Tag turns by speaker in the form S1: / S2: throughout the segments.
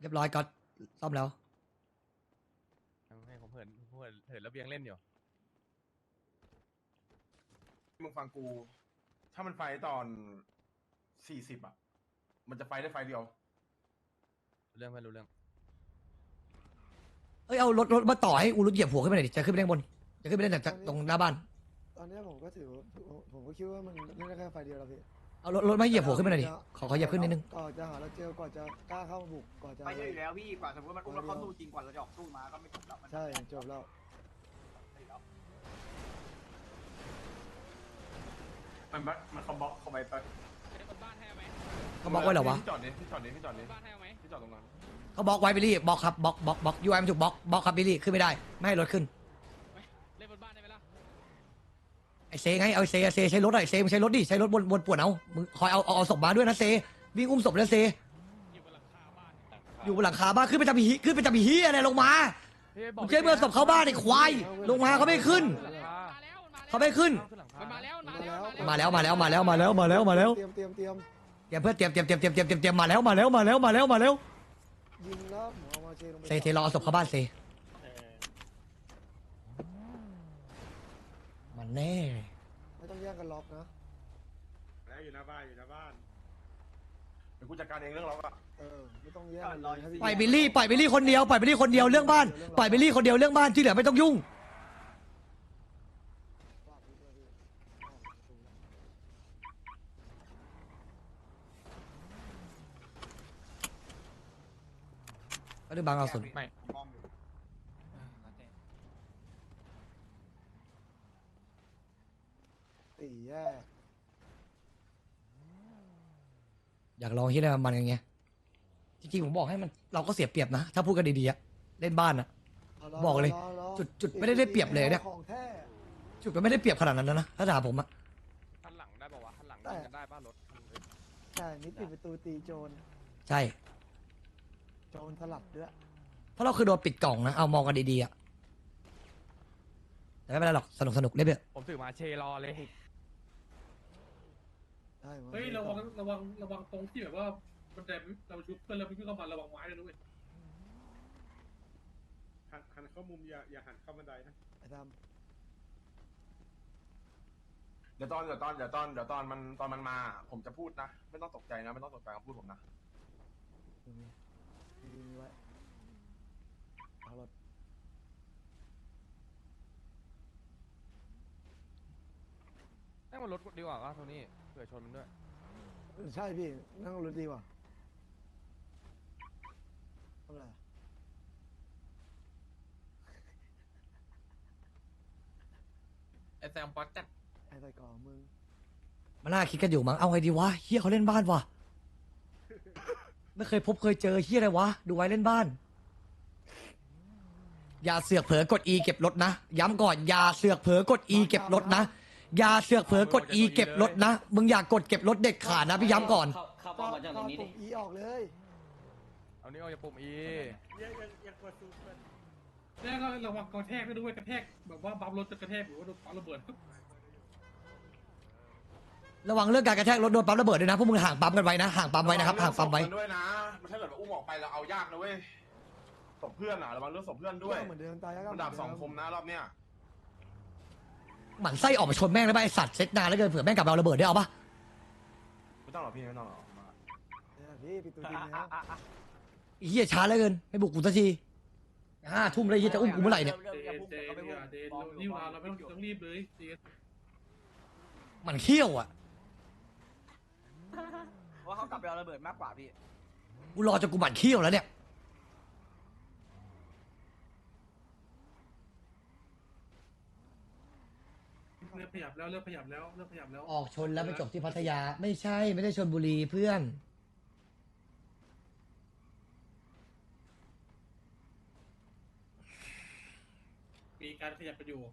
S1: เรียบร้อยก็ซ่อมแล้ว
S2: ให้ผมเหินระเบียงเล่นอยู่
S3: มึงฟังกู ถ้ามันไฟตอน40อ่ะ มันจะไฟได้ไฟเดียว
S2: เรื่องไม่รู้เรื่อง
S1: เอ้ยเอารถมาต่อให้อูรุเหยียบหัวขึ้นไปหน่อยดิจะขึ้นไปเล่นบนจะขึ้นไปเล่นจากตรงหน้าบ้าน
S4: ตอนนี้ผมก็ถือผมก็คิดว่ามันเล่นได้แค่ไฟเดียวแล้วพี่
S1: เอารถมาเหยียบหัวขึ้นไปหน่อยดิขอเหยียบขึ้นนิดนึง
S4: ก่อนจะหาเราเจอก่อนจะกล้าเข้ามาบุกก่อนจะ
S5: ไปเยอะอยู่แล้วพี่กว่าสมมติมันอุ้มแล้วเขาสู้จริงกว่าเราจะออกสู้มาก็ไม่จบแล้ว
S4: ใช่จบแล้ว
S3: มันเขาบล็อกเขาไป
S1: เขาบล็อกไว้เหรอวะ
S3: พี่จอดดิพี่จอดตรงนั้น
S1: เขาบล็อกไว้บิลลี่บล็อกครับบล็อกยูไอมันถูกบล็อกครับบิลลี่ขึ้นไม่ได้ไม่ให้รถขึ้น
S6: เล่นบนบ้านได้ไหมล่ะ
S1: ไอเซไงเอาเซใช้รถหน่อยเซมึงใช้รถดิใช้รถบนป่วนเอามึงคอยเอาศพมาด้วยนะเซวิ่งอุ้มศพแล้วเซ
S6: อยู่บนหลังคาบ้าน
S1: อยู่บนหลังคาบ้านขึ้นไปจะมีฮีอะไรลงมามึงใช้เมื่อศพเข้าบ้านไอ้ควายลงมาเขาไม่ขึ้น
S6: มาแล้ว
S1: เขาไม่ขึ้น
S6: มันมาแล้ว
S1: มาแล้ว
S4: เตรียม
S1: เตรียมเพื่อเตรียมมาแล้ว
S4: ยิงแล้วผมเอามาเชลงไป
S1: เซรอเอาศพเข้าบ้านเซมันแน่
S4: ไม่ต้องแย่งกันล็อกนะ
S3: แล้วอยู่หน้าบ้านเดี๋ยวกูจัดการเองเรื่องล็อกอ่ะ
S4: ไม่ต้องแย่งกันเลยให้พี่
S1: ปล่อยบิลลี่คนเดียวเรื่องบ้านปล่อยบิลลี่คนเดียวเรื่องบ้านที่เหลือไม่ต้องยุ่งก็ได้บางเอาสุด
S2: ไม่
S5: มองอยู่
S4: ตีแย่
S1: อยากลองที่ได้มันอย่างเงี้ยจริงๆผมบอกให้มันเราก็เสียเปรียบนะถ้าพูดกันดีๆอะเล่นบ้านอะ บอกเลยจุดไม่ได้เปรียบเลยเนี่ย
S4: ของแท้
S1: จุดมันไม่ได้เปรียบขนาดนั้นนะถ้าถามผมอะ
S2: ทันหลังได้ป่าวะทันหลังยิงกันได้ป่ะรถ
S4: ใช่นี่ปิดประตูตีโจร
S1: ใช่
S4: โจรสลัดด้วย
S1: เพราะเราคือโดนปิดกล่องนะเอามองกันดีๆอะแต่ไม่เป็นไรหรอกสนุกเล่นไปเถอะ
S2: ผมถือมาเชรอเลย
S4: ใช่มั้
S7: เฮ้ยระวังตรงที่แบบว่ามันแต่เราชุบเพื่อนแล้วพี่เข้ามาระวังไม้เลยด้วย
S3: หันเข้ามุมอย่าหันเข้าบันไดนะ
S4: ไอ้ด
S3: เดี๋ยวตอนมันมา ผมจะพูดนะ ไม่ต้องตกใจนะ ไม่ต้องตกใจคำพูดผมนะ
S4: ำดูนี่ไว้เอารถ
S2: นั่งบนรถดีกว่าก็โทนี่เผื่อชนมันด้วย
S4: ใช่พี่นั่งรถดีกว่าทำอะไร
S2: ไอแซมป๊อตจัด
S4: ไอ้ใส่กล่องมึง
S1: มันน่าคิดกันอยู่มั้งเอาไงดีวะเฮียเขาเล่นบ้านวะไม่เคยเจอเฮียอะไรวะดูไว้เล่นบ้าน อย่าเสือกเผลอกด E เก็บรถนะย้ำก่อนอย่าเสือกเผลอกด E เก็บรถนะอย่าเสือกเผลอกด E เก็บรถนะมึงอย่ากดเก็บรถเด็ดขาดนะพี่ย้ำก่อน
S6: เข้าป้อมมาจากตรงนี้ดิ
S4: อีออกเลย
S2: เอานี้วเอาอย่าปุ่มอี
S7: แล้วก็ระวังกระแทกด้วยกระแทกแบบว่าบัมรถจะกระแทกหรือว่าโดนปาระเบิด
S1: ระวังเรื่องการกระแทกรถโดนปั๊มระเบิดด้วยนะพวกมึงห่างปั๊มกันไว้นะห่างปั๊มไว้นะครับห่างปั๊มไว้
S3: ระวังเรื่องศพกันด้วยนะมันถ้าเกิดว่าอุ้มออกไปแล้วเอายากนะเว้ยศพเพื่อนอ่ะระวังเรื่องศพเพื่อนด้วย
S4: เหมือนเดิมตายแล้วก็
S3: มันดาบสองคมนะรอบเนี้ย
S1: หมั่นไส้ออกมาชนแม่งได้ป่ะไอสัตว์เซ็ตนานแล้วเกินเผื่อแม่งกลับมาเอาระเบิดได้เอาปะ
S3: ไม่ต้องหรอกพี่ไม่ต้องหรอกมา
S4: พี่ปิดตัวจริงแล้ว
S1: ไอ้เฮียช้าเหลือเกินไม่บุกกูสักที5 ทุ่มเลยเฮียจะอุ้มกูเมื่อไหร่เนี่ย
S7: เดนรีบมาเราไม่ต้องรีบเลยเจน
S1: มันเขี้ยวอ่ะ
S5: ว่าเขากลับไปเอาระเบิดมากกว่าพี่
S1: กูรอจนกูหมั่นเขี้ยวแล้วเนี่ย
S7: เริ่มขยับแล้ว
S1: ออกชนแล้วไปจบที่พัทยาไม่ใช่ไม่ได้ชนบุรีเพื่อน
S7: มีการขยับไปอยู่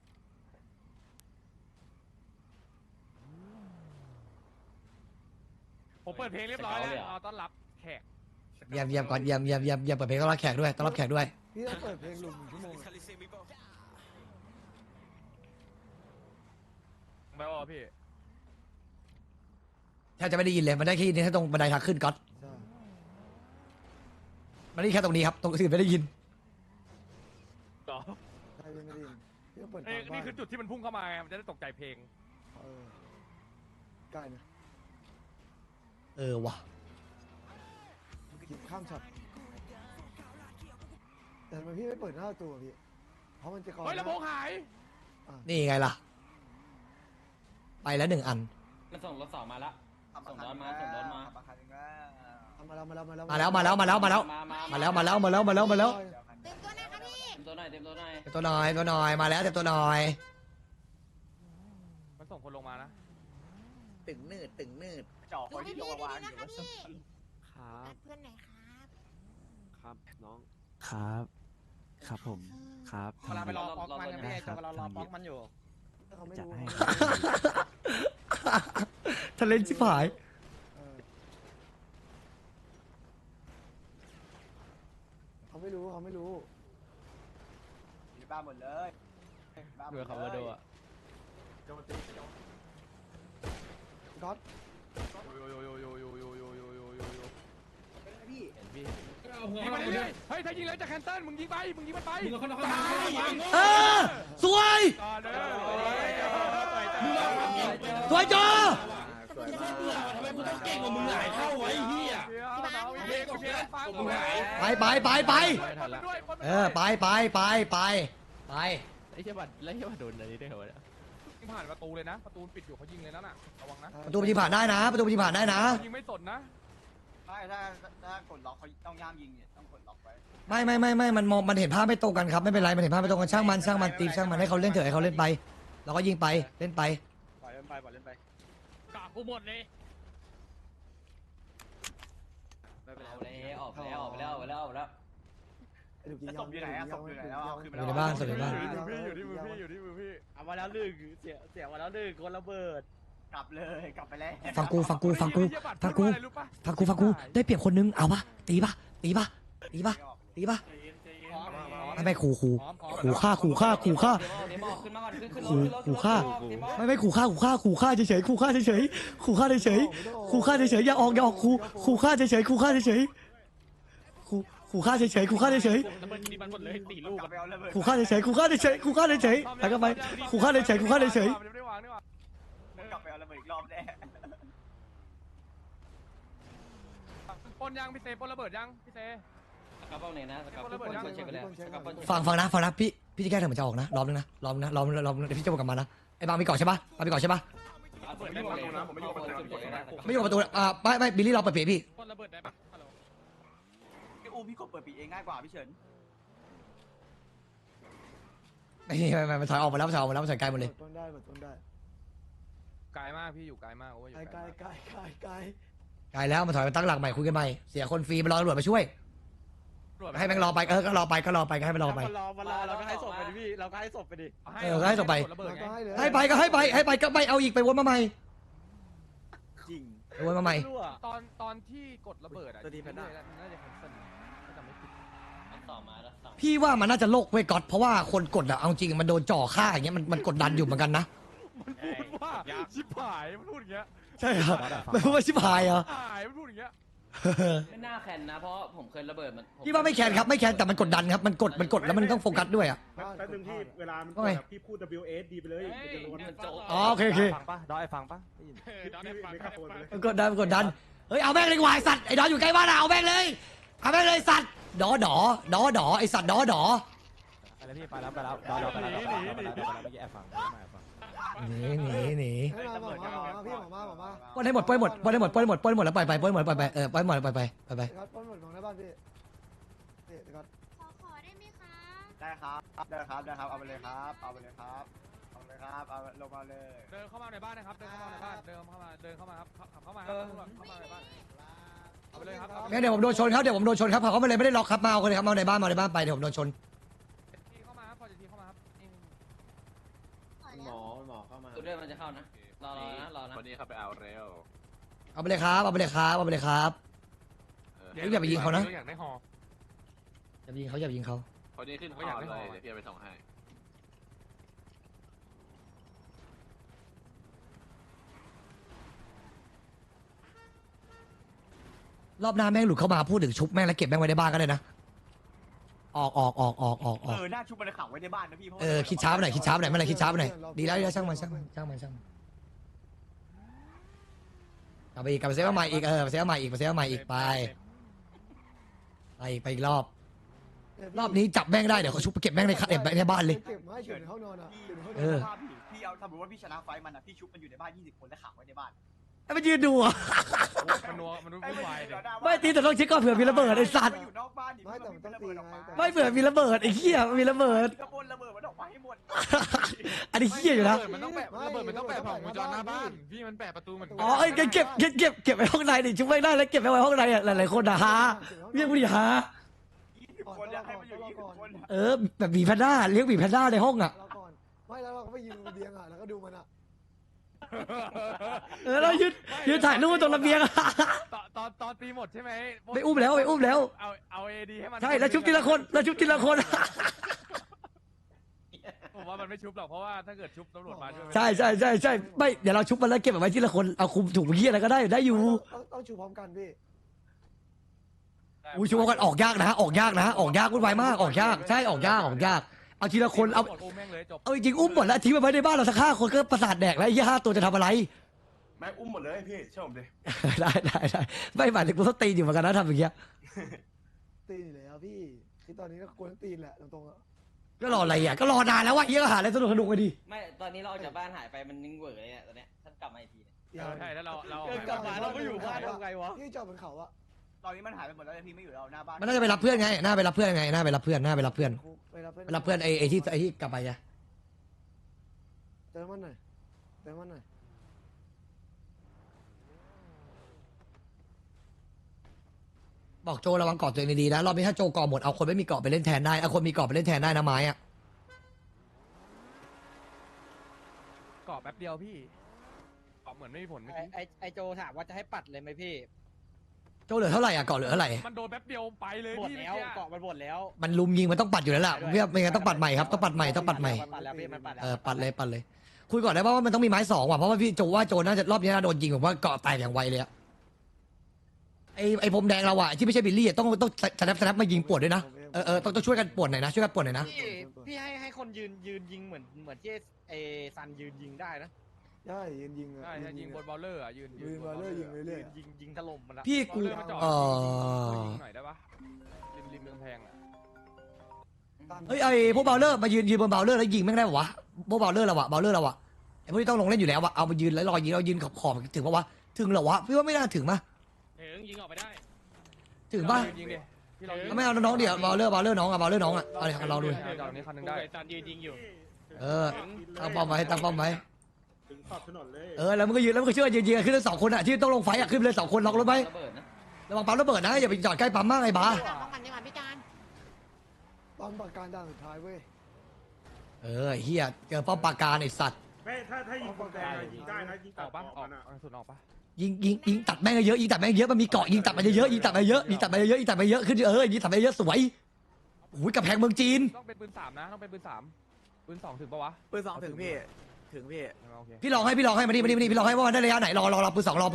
S2: ผมเปิดเพลงเรียบร้อยแล้วเอาต้อนรับแขก
S1: เยี่ยมก่อนเยี่ยมเปิดเพลงต้อนรับแขกด้วยต้อนรับแขกด้วย
S4: พี่ต้องเปิดเพลงหลุม1 ชั่วโมง
S2: ไปวะพี่
S1: แทบจะไม่ได้ยินเลยมันได้แค่ยินแค่ตรงบันไดทางขึ้นก๊อต
S4: ใช่
S1: มันได้แค่ตรงนี้ครับตรงอื่นไม่ได้ยิน
S2: ต่อ
S4: ใช่ไม่ได้ยินพี่ก็เปิด
S2: เอ้ย
S4: ตามบ้า
S2: นี่
S4: น
S2: คือจุดที่มันพุ่งเข้ามาไงมันจะได้ตกใจเพลง
S4: เออใกล้นะ
S1: ว่ะ
S4: กินข้ามช็อตแต่ทำไมพี่ไม่เปิดหน้าประตูอะพี่เพราะมันจะกร
S2: เฮ้ยลำโพงหาย
S1: นี่ไงล่ะ ไปแล้ว1 อัน
S6: มันส่งรถสองมาแล้ว ส่งรถมาส่งรถมา
S4: เอามาแล้วมาแล้วมาแล้ว
S1: มาแล้วมาแล้วมาแล้วมาแล้ว มาแล้วมาแล้วมาแล้วมาแล้วมาแล้ว
S8: เต็มตัวหนะครับพี่
S6: เต็มตัวหน่อยเต็มตัวหน่อย
S1: เต็มตัวหน่อยตัวหน่อยมาแล้วเต็มตัวหน่อย
S2: มันส่งคนลงมานะ
S5: ตึงนืดจ่อค
S8: ดู
S5: น
S8: ให้
S5: ที่ล
S8: พี่
S5: งมาวาง
S8: ดี
S5: อ
S8: ๆนะ
S5: ยู่
S8: ครับพี่
S9: ครับ
S8: นัดเพื่อนหน่อยครับ
S9: ครับน้อง ครับ ครับผม ครับ
S6: เวลาไปรอป๊อกมันกันพี่จะรอป๊อกมันอยู่
S4: เขาไม่
S9: จัด
S4: รู้
S9: ให้
S1: ทะเลนชิบหาย
S4: เออเขาไม่รู้เขาไม่รู้
S5: อยู่บ้านหมดเลยบ้านหมด
S2: เบื่อขับรถดูอ่ะ
S4: ก๊อต
S5: พี่
S7: เอาหัว
S2: ยิง
S7: เข้า
S2: ไป
S7: มา
S2: เรื่อยๆเฮ้ยถ้ายิงเลยจะแคนเซิลมึงยิงไปมึงยิงมันไป
S7: มึงเอาเข้ามา
S1: เออสวย
S2: ก่อนเลย
S1: สวยจอ
S5: สวยมาก
S6: ทำไมมึงต้องเก่งกว่ามึงหลายเท่าไว้เฮีย
S1: ไปไปไปไปไปไปไปไปไป
S2: ไอ้เหี้ยบัตรแล้วเหี้ยบัตรโดนอะไรได้เหรอยิงผ่านประตูเลยนะประตูปิดอยู่เขายิงเลยนั่นน่ะระวังนะ
S1: ประตูมันยิงผ่านได้นะ ประตูมันยิงผ่านได้นะ
S2: ยิงไม่สนนะ
S5: ใช่ถ้ากดล็อกเขาต้องย่ามยิงเนี่ยต้องกดล็อกไว้
S1: ไม่มันมองมันเห็นภาพไม่ตรงกันครับไม่เป็นไรมันเห็นภาพไม่ตรงกันช่างมันตีช่างมันให้เขาเล่นเถอะให้เขาเล่นไปเราก็ยิงไปเล่นไป
S5: ปล่อยเล่นไปปล่อยเล่นไป
S6: กะกูหมดเลย
S5: ไม่เป็นไร
S6: เอาแล้วออกแล้วออกแล้วออกแล้วออกแล้ว
S4: ไอ้ลูกยิง
S5: ศพอยู่ไหนอะศพอยู่ไหนแล้วเอาขึ้น
S1: อยู่ในบ้านสดในบ้าน
S2: อยู่ที่มือพี่อยู่ที่มือพี่
S5: เอามาแล้วลึกเสียมาแล้วลึกคนระเบิดกลับเลยกลับไปแล้ว
S1: ฟังกูได้เปรียบคนนึงเอาปะตีปะไม่ขู่ฆ่า
S6: เดมออกขึ้นมาก่อนขึ้นรถ
S1: ขู่ฆ่าไม่ขู่ฆ่าเฉยขู่ฆ่าเฉยอย่าออกขู่ฆ่าเฉยขู่ฆ่าเฉย
S6: ระเบิดดีมันหมดเลย4 ลูก
S5: กลับไปเอาระเบิด
S1: ขู่ฆ่าเฉยแล้วก็ไปขู่ฆ่าเฉย
S2: ไม่ได้วางนี่หว่าก
S5: ลับไปเอาระเบิดอีกรอบแน่
S2: ปนยังพี่เซปนระเบิดยังพี่เซ
S6: สกัดเป้าไหนนะสกัดเป้าเช็คไปแล้วสกัดเป้า
S1: ฟังนะพี่จะแก้เถอะมันจะออกนะรอบนึงนะเดี๋ยวพี่จะบอกกลับมานะไอ้บางมีเกาะใช่ปะไม่อยู่ประตูไม่บิลลี่รอเปิดเผยพี่
S6: คนระเบิดได้ปะฮัลโหล
S5: พี่อูพี่กดเปิดปีเองง่ายกว่าพี่เฉิน
S1: ไม่มันถอยออกมาแล้วมันถอยไกลหมดเลย
S4: ต้นได้ต้นได้
S2: ไกลมากพี่อยู่ไกลมากโอ้ยอยู่
S4: ไกล
S2: ไกล
S4: ไกล
S1: ไกลแล้วมันถอยมาตั้งหลักใหม่คุยกันใหม่เสียคนฟรีมันรอตำรวจมาช่วยให้แม่งรอไปก็รอไปก็ให้มันรอไป
S5: มารอเราก็ให้ศพไปดิพี่เราก็ให้ศพไปดิ
S1: ก็ให้ส่งไป
S2: ระเบิดไง
S1: ให้ไปก็ไม่เอาอีกไปวนมาใหม่
S5: จริง
S1: ไปวนมาใหม่
S2: ตอนที่กดระเบิดอ่ะน่าจะแคนเซิลถ้าจำไม่ผิด
S6: ต่อมาแล้วต่อ
S1: พี่ว่ามันน่าจะโลกเว้ยก๊อตเพราะว่าคนกดอะเอาจริงมันโดนจ่อฆ่าอย่างเงี้ยมันกดดันอยู่เหมือนกันนะ
S2: มันพูดว่าชิบหายมันพูดอย่างเงี้ย
S1: ใช่ครับไม่พูดว่าชิบหายเหรอ
S2: หายมันพูดอย่างเงี้ย
S6: ไม่น่าแคนนะเพราะผมเคยระเบิดมัน
S1: พี่ว่าไม่แคนครับไม่แคนแต่มันกดดันครับมันกดแล้วมันต้องโฟกัสด้วยอะ
S4: แป๊บนึงที่เวลา
S1: ว่าไง
S5: พี่พูด WSD ไปเลย
S6: มันโจ๊ก
S1: อ๋อโอเค
S2: ฟังปะดอยฟังปะ
S6: ดอนได้ฟัง
S1: มันกดดันเฮ้ยเอาแม่งเลยดีกว่าไอ้สัตว์ไอ้ดออยู่ใกล้บ้านอะเอาแม่งเลยสัตว์ดอไอ้สัตว์ดอ
S2: ไปแล้วพี่ไปแล้วดอยไปแล้วเมื่อกี้แอบฟัง
S1: หนี
S4: ให้มาพี่หมอมา
S1: ปล้นให้หมดแล้วปล่อยไปปล้นหมดปล้นหมดไปปล้นหมดไป
S4: ครับต้นหมดของในบ้านพี่ครับ
S8: ขอได้ไหมคะ
S5: ได้ครับเอาไปเลยครับเอาลงมาเลย
S2: เดินเข้ามาในบ้านนะครับเดินเข้ามาครับขับเข้ามาในบ้านเอาไปเลยครับ
S1: งั้นเดี๋ยวผมโดนชนครับเขาไม่เลยไม่ได้ล็อกครับมาเอาเลยครับมาในบ้านไปเดี๋ยวผมโดนชน
S2: ทีเข้ามาครับพอจะทีเข้ามาครับ
S8: ขอแล้ว
S5: หมอเข้ามา
S6: ตัวเรื่องมันจะเข้านะรอนะ
S3: วันนี้เขาไปเอาเร็ว
S1: เอาไปเลยครับอย่าไปยิงเขานะ
S2: อยากได้หอ
S1: อย่าไปยิงเขา
S3: คนนี้ขึ้นคอเลยเดี๋ยวพี่ไปส่งให้
S1: รรอบหน้าแม่งหลุดเข้ามาพูดถึงชุบแม่งแล้วเก็บแม่งไว้ในบ้านก็ได้นะออก
S5: หน้าชุบมันขังไว้ในบ้านนะพี่
S1: คิดช้าไปหน่อยคิดช้าไปหน่อยไม่เป็นไรคิดช้าไปหน่อยดีแล้วช่างมันกลับไปอีกกลับไปเซฟใหม่อีกไปเซฟใหม่อีกไปอีกรอบนี้จับแม่งได้เดี๋ยวเขาชุบไปเก็บแม่งในบ้านเลย
S4: เก็บไม้เก็บในห้องนอนอ่ะเก็บในห้องน
S1: เอ
S4: อน
S1: อ
S5: พี่เอาสมมติว่าพี่ชนะไฟมันอะพี่ชุบมันอยู่ในบ้าน20 คนแล้วขังไว้ในบ้าน
S1: ให้มันยืนดูอ่ะ
S2: มันนัวมันวุ่นวายเลย
S1: ไม่ตีแต่ต้องเช็คก่อนเผื่อมีระเบิดไอ้สัตว์
S5: อยู่นอกบ้านดิ
S4: ไม่แต่มันต้องตีไง
S1: ไม่เผื่อมีระเบิดไอ้เหี้ยมีระเบิด
S5: กระบวนระเบิดมันออกมาให้หมด
S1: อันนี้เหี้ยอยู่นะ
S2: มันต้องแปะระเบิดมันต้องแปะผ่านวงจรหน้าบ้านพี่มันแปะประตูเหมือน
S1: อ๋อไอ้เก็บไว้ห้องในดิชุบไม่ได้แล้วเก็บไว้ห้องในอ่ะหลายๆคนนะฮะเรียกผู้ดิฮะ
S5: 20 คนอยากให้มันอยู่20 คน
S1: แบบหมีแพนด้าเลี้ยงหมีแพนด้าในห้องอ่ะ
S4: เราก่อนไม่แล้วเราก็ไปยืนบนระเบียงอ่ะแล้วก็ดูมันอ่ะ
S1: เรายืนถ่ายรูปตรงระเบียงอะ
S2: ตอนตีหมดใช่ไหม
S1: ไปอุ้มแล้ว
S2: เอาเอดีให้มัน
S1: ใช่แล้วชุบทีละคน
S2: ผมว่ามันไม่ชุบหรอกเพราะว่าถ้าเกิดชุบตำรวจมาช่วย
S1: ใช่ไม่เดี๋ยวเราชุบมันแล้วเก็บเอาไว้ทีละคนเอาคุมถุงเหี้ยอะไรก็ได้อยู่
S4: ต้องชูพร้อมกันพี่
S1: อุ้ยชุบกันออกยากนะออกยากวุ่นวายมากออกยากใช่ออกยากเอาทีละคนเอา
S2: แม่งเลยจบ
S1: เอาจริงๆอุ้มหมดแล้วทิ้งมันไว้ในบ้านเราสัก5 คนก็ประสาทแดกแล้วไอ้เหี้ย5 ตัวจะทำอะไร
S3: แม่งอุ้มหมดเลยพี่เชื่อผมดิ
S1: ได้ไม่หมายถึงกูต้องตีอยู่เหมือนกันนะทำอย่างเงี้ย
S4: ตีนแล้วพี่คือตอนนี้ก็กวนตีนแหละตรงๆอ่ะ
S1: ก็รออะไรอ่ะก็รอนานแล้ววะเหี้ยก็หาอะไรสนุกไปดิ
S6: ไม่ตอนนี้เราออกจากบ้านหายไปมันนิ่งเวอร์เลยเนี่ยตอนเนี้ยท่านกลับมาอีกทีเนี่ย
S2: ใช่แล้วเรา
S6: กลับมาเราไม่อยู่บ้านทำไงวะ
S4: พี่จอดบนเขาอ่ะ
S5: ตอนนี้มันหายไปหมดแล้วพี่ไม่อยู่แล้วหน้าบ้าน
S1: มันน่าจะไปรับเพื่อนไงน่าไปรับเพื่อนไอ้ที่กลับไปอะ
S4: เติมมันหน่อย
S1: บอกโจระวังเกาะตัวเองดีๆนะรอบนี้ถ้าโจเกาะหมดเอาคนไม่มีเกาะไปเล่นแทนได้เอาคนมีเกาะไปเล่นแทนได้นะไม้อะ
S2: เกาะแป๊บเดียวพี่เกาะเหมือนไม่มีผลเมื่อกี้
S6: ไอโจถามว่าจะให้ปัดเลยไหมพี่
S1: โจเหลือเท่าไหร่อะเกาะเหลือเท่าไหร่
S2: มันโดนแป๊บเดียวไปเลย
S6: หมด
S2: พี่
S6: แล้วเกาะมันหมดแล้ว
S1: มันลุมยิงมันต้องปัดอยู่แล้วล่ะไม่งั้นต้องปัดใหม่ครับต้องปัดใหม่
S6: ปัดแล้วพี่มันปัดแล้ว
S1: ปัดเลยคุยก่อนได้ป่ะว่ามันต้องมีไม้2ว่ะเพราะว่าพี่โจว่าโจน่าจะรอบนี้น่าโดนยิงแบบว่าเกาะแตกอย่างไวเลยอะไอ้พรมแดงเราอะที่ไม่ใช่บิลลี่ต้องสแนปมายิงปวดด้วยนะต้องช่วยกันปวดหน่อยนะช่วยกันปวดหน่อยนะ
S6: พี่ให้คนยืนยิงเหมือนที่ไอซันยืนยิงได้นะ
S4: ใช่ยิงอ่ะ
S2: ใช่ยิงบนบอลเลอร์อ่ะยืน
S4: บอลเลอร์ยิงเรื่อย
S6: ยิงถล่มมันละ
S1: พี่กู
S2: ยิงหน่อยได้ปะริมเมืองแพงอ่ะ
S1: เฮ้ยไอ้พวกเบลเลอร์มายืนบนเบลเลอร์แล้วยิงแม่งได้ปะวะพวกเบลเลอร์เราอะไอ้พวกที่ต้องลงเล่นอยู่แล้วอะเอามายืนแล้วรอยิงเรายืนขอบถึงปะวะถึงเหรอวะพี่ว่าไม่น่าถึงมั้ย
S2: ยิงออกไปได้
S1: ถึงป่ะ
S2: ยิงดิ
S1: ไม่เอาน้องเดี๋ยวเบลเลอร์น้องอะเอาเลยลองดู
S2: จอดนี้คันนึงได้
S6: ซันยืนยิงอยู่
S1: ตั้งป้อมไว้แล้วมึงก็ยืนแล้วมึงก็ช่วยยืนขึ้นเลย2 คนอะที่ต้องลงไฟอะขึ้นไปเลย2 คนล็อกรถไว้
S6: ระเบิดนะ
S1: ระวังปั๊มระเบิดนะอย่าไปจอดใกล้ปั๊มมากไอ้บ้า
S8: ของมันดีกว่าพี่การ
S4: ๆตอนประการด่านสุดท้ายเว้ย
S1: เฮียเจอป้อมปราการไอ้สัตว์
S10: ไม่ถ้ายิงคนแดงยิงได้นะยิง
S2: อ
S10: ตั
S2: อ
S10: ด
S2: กปะ
S10: อ
S2: อ
S10: อ
S2: อก ก
S10: นะ
S2: สุดออกปะ
S1: ยิงตัดแม่งเยอะมันมีเกาะยิงตัดไปเยอะขึ้นยิงตัดไปเยอะขึ้นยิงตัดไปเยอะสวยโอ้ยกำแพงเมืองจีน
S2: ต้องเป็นปืน3นะต้องเป็นปืน3ปืน2ถึงปะวะ
S5: ปืน2ถึงพี่
S2: โอเค
S1: พี่ลองให้มาดิพี่ลองให้ว่ามันได้ระยะไหนรอปืน2รอ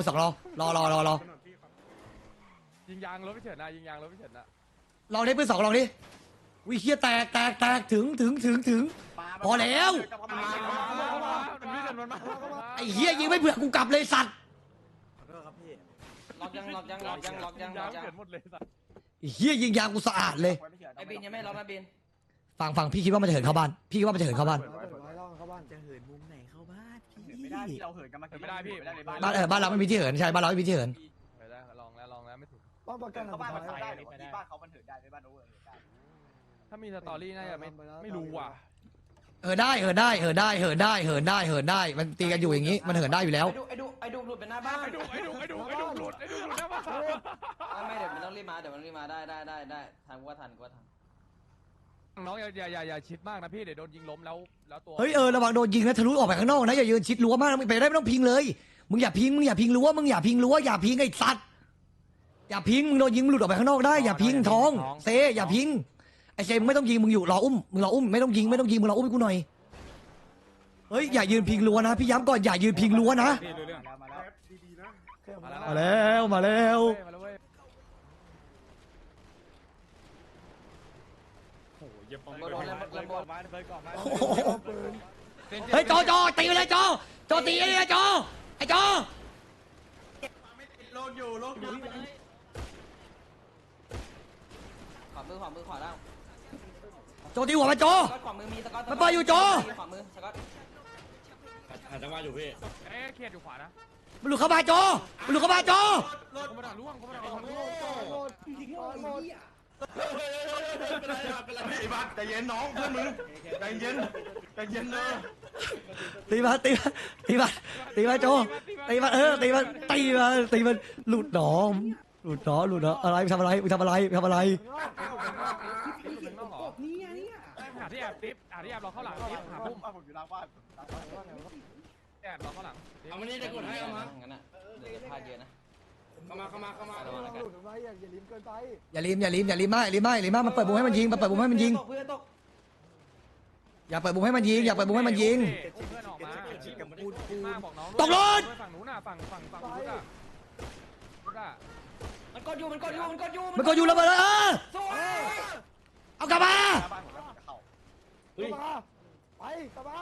S2: ยิงยางรถไม่เฉินนะยิงยางรถไม่เฉินนะ
S1: ลองดิปืน2ลองดิวิเฮียแตกถึงพอแล้ว
S2: มันไม่เฉินมันมา
S1: ไอ้เฮียยิงไม่เผื่อกูกลับเลยสัตว์
S6: ล็อกยัง
S2: ยางเฉินหมดเลยสัตว์
S1: ไอ้เฮียยิงยางกูสะอาดเลย
S6: ไอบินยังไม่ล็อกนะบิน
S1: ฟังพี่คิดว่ามันจะเหินเข้าบ้านพี่คิดว่ามันจะเหินเข้าบ้าน
S4: เข้าบ้าน
S5: จะเหินมุมไหนเข้าบ้านไม่ได้พี่เราเหินกันมา
S2: ไม่ได้พี่
S1: บ้านเราไม่มีที่เหินใช่บ้านเราไม่มีที่เหิน
S2: ไปได้ลองแล้วไม่ถูก
S4: ป้อมประการ
S5: เข้าบ้านมัน
S4: สุด
S5: เหิน
S4: ท้าย
S5: ได้หรือที่บ้านเขามันเหินได้ไม่บ้านโอเวอร์เหินได้
S2: ถ้ามีสตอรี่น่าจะไม่รู้ว่ะ
S1: ได้มันตีกันอยู่อย่างนี้มันเหินได้อยู่แล้ว
S6: ไอดูหลุดเป็นหน้าบ้าน
S2: ไอ้ดูหลุดนะบ้า
S6: ไม่เดี๋ยวมันต้องรีบมาได้ทันทัน
S2: น้องอย่าชิดมากนะพี่เดี๋ยวโดนยิงล้มแล้วตัว
S1: เฮ้ยระวังโดนยิงนะทะลุออกไปข้างนอกนะอย่ายืนชิดรั้วมากนะมึงไปได้ไม่ต้องพิงเลยมึงอย่าพิงรั้วอย่าพิงไอ้สัตว์อย่าพิงมึงโดนยิงหลุดออกไปข้างนอกได้อย่าพิงท้องเซอย่าพิงไอ้เซมึงไม่ต้องยิงมึงอยู่รออุ้มไม่ต้องยิงมึงรออุ้มกูหน่อยเฮ้ยอย่ายืนพิงรั้วนะพี่ย้ำก่อนอย่ายืนพิงรั้วนะ
S10: ดีๆนะ
S1: มาแล้ว
S2: มาแล้วเว้ย
S6: โดนแล้วระเบิดมาระเบิดก่อนมา
S1: โอ้โหเฮ้ยโจตีไปเลยโจตีไอ้เนี่ยโจไอ้โจ
S5: โลกอยู่โลกอยู่
S6: ขวามือขวาล่าง
S1: โจตีหัวมาโจ
S6: ขวามือมีสก๊อต
S1: มันเปิดอยู่โจ
S6: ขวามือสก๊อต
S2: เอ๊ะเครียดอยู่ขวานะ
S1: มันหลุดเข้ามาโจมันหลุดเข้ามาโจ
S2: กูมาด่าล่วงกูมาด่าล่วง
S3: ไอ้บ้าใจเย็นน้องเพื่อนมึงใจเย็นใจเย็นเลย
S1: ตีมาโจตีมาตีมาหลุดหนออะไรทำอะไรทำอะไร
S2: หาที่แอบติ๊บหาที่แอบเราเข้าหลังติ๊บหาพุ่ม
S5: ผมอยู่หลังบ้าน
S2: แอบเราเข้าหลัง
S6: เอามานี่ได้กดให้เอามางั้นอ่ะเดี๋ยวพลาดเยอะนะ
S4: หลุดออกมาอย่าลิ้มเกินไป
S1: อย่าลิ้มมากมันเปิดบุ้มให้มันยิงอย่าเปิดบุ้มให้มันยิง
S2: เพื่อนออกมา
S1: เพื่อนออกมา
S2: บอกน้อง
S1: ตกรถ
S2: ฝั่งนู้นน่ะฝั่งรถอ่ะรถอ่ะ
S6: มันกดอยู่
S1: ระเบิดเลยเอากลับมา
S5: บ้านผมแล้วจะเข้า
S4: ไปกลับมา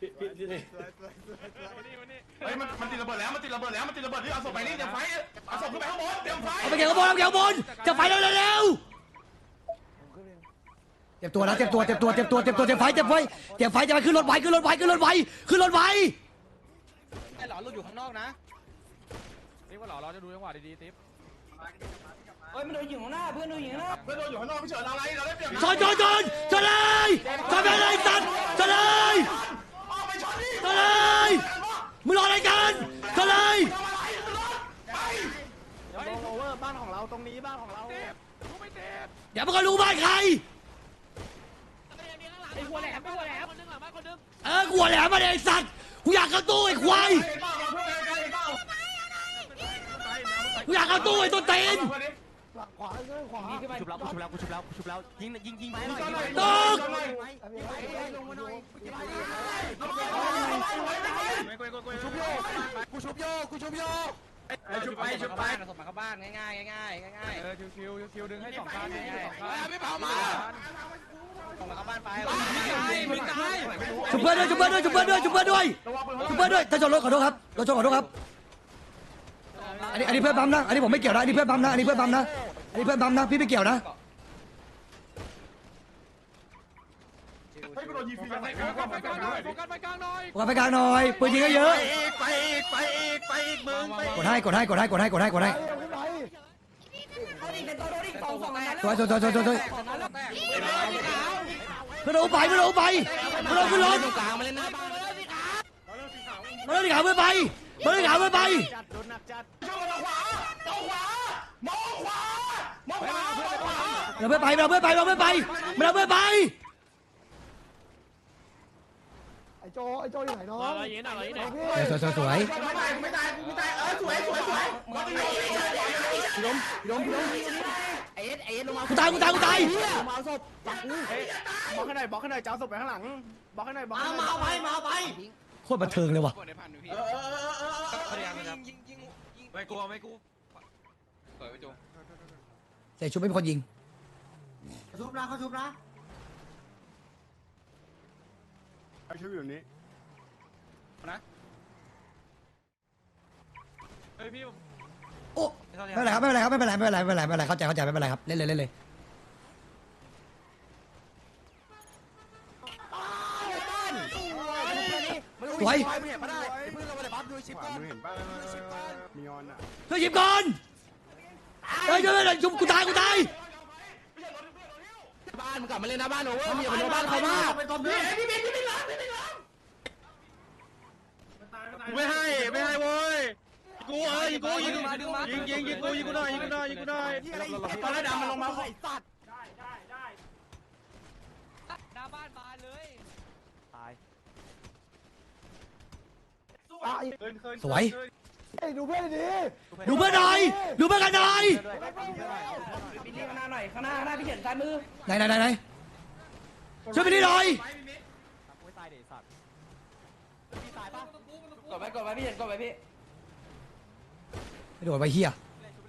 S3: เฮ้ยมันติดระเบิดแล้วมันติดระเบิดที่เอาศพไปนี่เดี๋ยวไฟเอาศพขึ้นไปข้างบนเตรียมไฟ
S1: เอาไปเกี่ยวกับบนจะไฟเร็วเตรียมตัวนะเตรียมไฟจะไปขึ้นรถไว้
S6: ไอ้หลอนเราอยู่ข้างนอกนะ
S2: ติ๊บก็หล่อเราจะดูจังหวะดีๆติ๊บ
S6: เฮ้ยมันโดนอยู่ข้างหน้าเพื่อนโดนอยู่ข้างหน้า
S3: เพื่อนโดนอยู่ข้างนอกพี่เฉินอะไรเราได้เปรียบ
S1: ชนเลยสัตว์ชนเลย
S3: ออกไปชนนี่
S1: ชนเลยมึงรออะไรกันชนเลย
S5: โอเวอร์บ้านของเราตรงนี้บ้านของเรา
S2: รู้ไม่ติ๊บ
S1: เดี๋ยวมึงก็รู้บ้านใคร
S6: ไอ้หัวแหลม
S1: กูหัวแหลมมาเลยไอ้สัตว์กูอยากเข้าตู้ไอ้ควายกูอยากเข้าตู้ไอ้ตัวเต็น
S4: ขวาเงื่อนขวา
S9: ชุบแล้วยิงไปหน่อย
S1: ตก
S6: ชุบไปส่งมาเข้าบ้านง่าย
S2: ชิวดึงให้สองคันไม่เผามา
S6: ส่งมาเข้าบ้านไป
S1: ชุบเพื่อนด้วยถ้าชนรถขอโทษครับรถชนขอโทษครับอันนี้เพื่อนปั๊มนะอันนี้ผมไม่เกี่ยวนะอันนี้เพื่อนปั๊มนะพี่ไม่เกี่ยวนะ
S3: ให้กูโดนยิงฟรี
S2: ไปกลางหน่อยโฟกัสไปกลางหน่อย
S1: ไปกลางหน่อยปืนยิงเยอะ
S5: ไปอีกมึงไป
S1: กดให้
S4: ขึ้นไป
S1: สวยเพื่อนเอาไปขึ้นรถ
S6: กลางมาเล่นหน้าบ้าน
S1: มาเลยขาเพื่อนไป
S5: จัดโดนหนักจัด
S1: เราเพื่อนไป
S4: ไอ้โจอยู่ไหนน้อง
S1: สวย
S3: ไม่ตายสวย
S6: ไอ้เอ็ดลงมา
S1: กูตาย
S6: ลงมาเอาศพปักกู
S5: บล็อกให้หน่อยจะเอาศพไปข้างหลังบล็อกให้หน่อย
S6: มาเอาไป
S1: โคตรบันเทิงเลยว่ะ
S2: ไม่กลัว
S1: เสียชุบไม่เป็นคนยิง
S5: เขาชุบนะเขาชุบอยู่นี้
S2: เฮ้ยพี่
S1: โอ้ไม่เป็นไรครับเข้าใจไม่เป็นไรครับเล่นเลยสวย
S5: มือเห็นป่ะมีออนอ่ะ
S1: ช่วยหยิบก่อนเฮ้ยชุบกูตาย
S6: บ้านมึงกลับมาเล่นหน้าบ้านโอเวอร์มึงอย่าไปโดนบ้านเขามาก
S5: ไม่ให้โว้ยกูยิงกูหน่อยตอนแรกดำมันลงมาไอ้สัตว์
S6: หน้าบ้านมาเลย
S1: สวย
S4: ดูเพื่อนดี
S1: ดูเพื่อนหน่อยดูเพื่อนกันหน่อย
S6: พี่ข้างหน้าหน่อยข้างหน้าพี่เห็นซ้ายมือ
S1: ไหนช่วยไปนี่หน่อย
S6: กดไว้พี่เห็นกดไว้พี่
S1: ไม่โดนไปเฮีย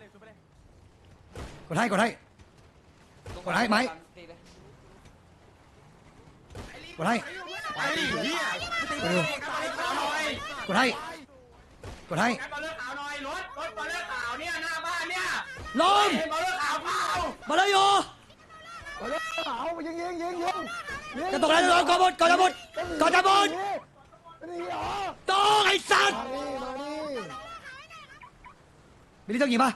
S1: กดให้ไหมกดให้
S3: ไอ้เหี้ย
S1: กดดู
S3: ขาวหน่อย
S1: กดให้กดให้
S3: บอลเลือกขาวหน่อยรถบอลเลือกขาวเนี่ยหน้าบ้านเนี่ย
S1: ลม
S3: บอลเลือกขาวเปล่า
S1: มาเลยโย
S4: เอาเลยเอายิง
S1: จะตกแล้วกดหมดกดหมดกดหมด
S4: นี่เหรอ
S1: ตกไอ้สัตว์
S4: มานี่
S1: มิลลี่ต้องยิงป่ะ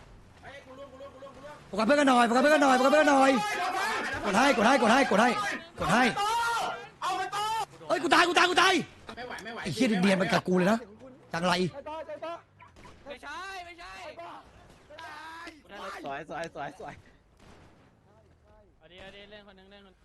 S1: โฟกัสเพื่อนกันหน่อยโฟกัสเพื่อนกันหน่อยโฟกัสเพื่อนกันหน่อยกดให้กดให้กดให้กดให้กดให้
S3: เอาไปโต้
S1: เอ้ยกูตายไอ้เหี้ยเนียนมันกับกูเลยนะจังไร
S4: ใจต่อ
S6: ไม่ใช่ไม่ใช่
S5: สวยสวยสวยสวย
S6: เอาดีเล่นคนนึงเล่นคน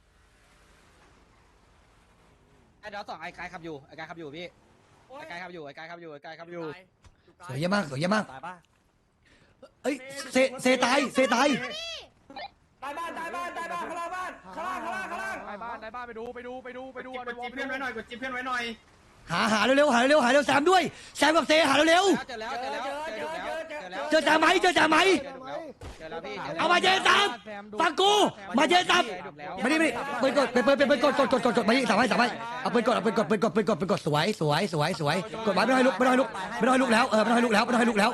S6: ไอ้เดี๋ยวสองไอ้กายขับอยู่ไอ้กายขับอยู่พี่ไอ้กายขับอยู่ไอ้กายขับอยู่ไอ้กายขับอยู่
S1: สวยเยอะมากสวยเยอะมาก
S5: ตายป่ะ
S1: เอ้ยเซตาย
S5: ตายบ้านข้างล่างบ้านข้างล่างข้างล่างข้างล่างข้างล่าง
S2: ในบ้านไปดูเอาในวอ
S3: จิ้มเพื่อนไว้หน่อยกดจิ้มเพื่อนไว้หน่อย
S1: หาเร็วแซมด้วยแซมกับเซหาเร็ว
S6: เจอแล้ว
S1: เจอจ่าไหม
S6: เจอแล้วพี่
S1: เอามาเจซับฟังกูมาเจซับไม่ได้เปิดกดมายิงสามให้เอาเปิดกดสวยกดไว้ไม่ต้องให้ลุกแล้วไม่ต้องให้ลุกแล้ว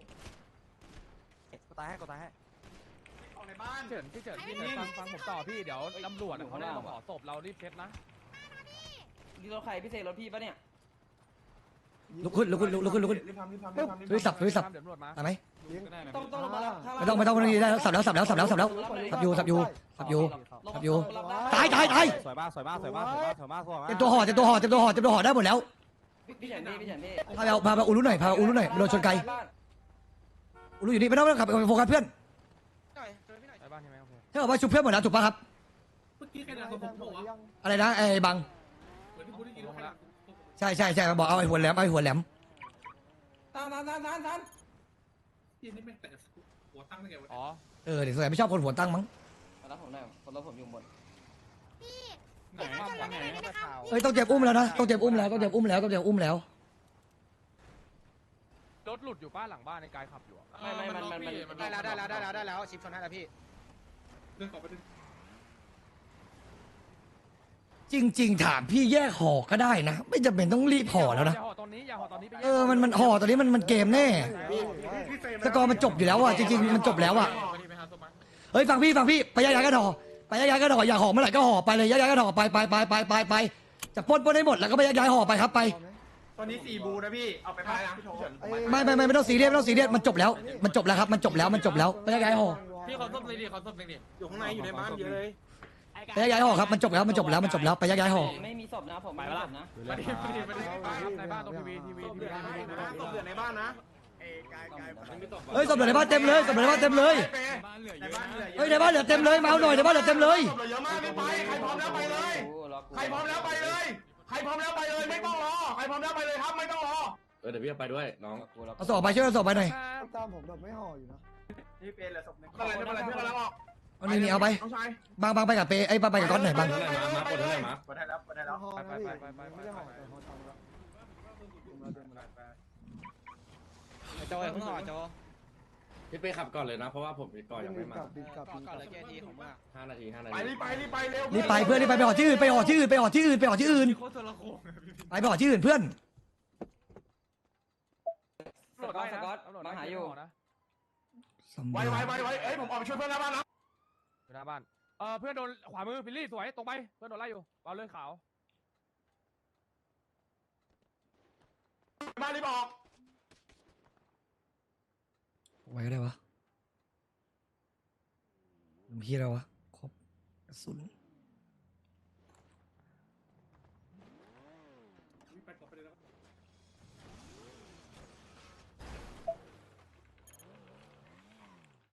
S5: ตายให้ตายให้
S3: ออกในบ้าน
S2: พี่เฉินฟังผมต่อพี่เดี๋ยวตำรวจเขาได้มาขอศพเรารีบเช็ดนะ
S6: นี่รถใครพี่เสกรถพี่ปะเนี่ย
S1: ลุกขึ้น
S3: รีบทำ
S1: ลุยสับ
S2: เดี๋ยวตำรวจมา
S1: ตายไหม
S6: ต้องลงมาแล้ว
S1: ไม่ต้องได้สับแล้วสับอยู่ตาย
S5: สวยมากสวยมากสวยมากสวยมากสวยมากสวยมาก
S1: เต็มตัวห่อได้หมดแล้ว
S6: พี่เฉินพี่
S1: พาไปอูรุหน่อยโดนชนไกลอูรุอยู่นี่ไม่ต้องขับไปโฟกัสเพื่อน
S2: ในบ้านใช่ไหมโอเค
S1: ถ้าเกิดว่าชุบเพื่อนหมดแล้วถูกป่ะครับ
S7: เมื่อกี้ใครด่าผมบอกว่า
S1: อะไรนะไอ้บัง
S7: เหมือนที่พูดได้ยินว่าใครด่าผม
S1: ใช่บอกเอาไอ้หัวแหลม
S6: ทัน
S7: ที่นี่ไม่แต่หัวตั้งได้ไงวะ
S2: อ๋อ
S1: เดี๋ยวสงสัยไม่ชอบคนหัวตั้งมั้ง
S6: รับผมหน่อยคนรับผมอยู่บน
S2: ไหนบ้านไหน
S1: เอ้ยต้องเจ็บอุ้มแล้วนะต้องเจ็บอุ้มแล้ว
S2: รถหลุดอยู่ป้าหลังบ้านในกายขับอยู่
S6: ไม่มันได้แล้วชิปชนให้แล้วพี่
S7: เรื่องต่อไปดึง
S1: จริงๆถามพี่แยกห่อก็ได้นะไม่จำเป็นต้องรีบห่อแล้วนะ
S2: อย่าห่อตอนนี้ไป
S1: มันห่อตอนนี้มันเกมแน่ สกอร์มันจบอยู่แล้วอ่ะจริงๆมันจบแล้วอ่ะเฮ้ยฟังพี่ไปย้ายกันห่ออยากห่อเมื่อไหร่ก็ห่อไปเลยย้ายกันห่อไปจะปล้นให้หมดแล้วก็ไปย้ายห่อไปครับไป
S3: ตอนนี้4บูนะพี่เอาไปบ้านนะพี่โถ
S1: ไม่ต้องซีเรียสมันจบแล้วครับมันจบแล้วไปย้ายห่อ
S2: พี่ขอส้มเลยดิ
S3: อยู่ข้างในอยู่ในบ้านเยอะเลย
S1: ไปย้ายห่อครับมันจบแล้วไปย้ายห่อ
S6: ไม่มีศพนะผมไม่มีศพนะ
S2: ไปดิในบ้านตรงทีวี
S3: ศพเหลือในบ้านนะ
S1: เฮ้ยศพเหลือในบ้านเต็มเลย
S3: ในบ้านเหลือ
S1: เฮ้ยในบ้านเหลือเต็มเลยมาเอาหน่อยในบ้านเหลือเต็มเลย
S3: ศพเหลือเยอะมากไม่ไปใครพร้อมแล้วไปเลยใครพร้อมแล้วไปเลยไม่ต้องรอใครพร้อมแล้วไปเลยครับไม่ต้องรอ
S11: เดี๋ยวพี่ไปด้วยน้อง
S1: เอาศพไปช่วยเอาศพไปหน่อย
S4: ตามผมแบบไม่ห่ออยู่นะ
S3: นี่เป็นเหลือศพนึงไม่เป็นไรเพื่อนกำลังออก
S1: เอานี่เอาไป
S3: น้องชาย
S1: บางไปกับเปไอ้ไปกับก้อนหน่อยบาง
S3: กดให้แล้ว
S4: ห่อนะพี่ไม่ได้ห่อแต่ห่อตังค์แล้ว
S6: โจข้างนอกโจ
S11: พี่ไปขับก่อนเลยนะ เพราะว่าผมก่อนยังไม่มา
S6: ก่อนเลยแกทีของมึง
S11: 5 นาที
S3: ไปรีบไปเร็ว
S1: รีบไปเพื่อนรีบไปห่อที่อื่นไปห่อที่อื่นไปห่อที่อื่นไปห่อที่อื่นเพื่อน
S6: มาหาอยู่
S3: ไวเอ้ยผมออกไปช่วยเพื่อนหน้าบ้านนะ
S2: หน้าบ้านเพื่อนโดนขวามือพิลลี่สวยตรงไปเพื่อนโดนไล่อยู่เอาเลื่อยขาว
S3: บ้านรีบออก
S1: ไว้ก็ได้วะพี่อะไรวะครบกระสุน
S7: ไปต่อไปเลยแล้ว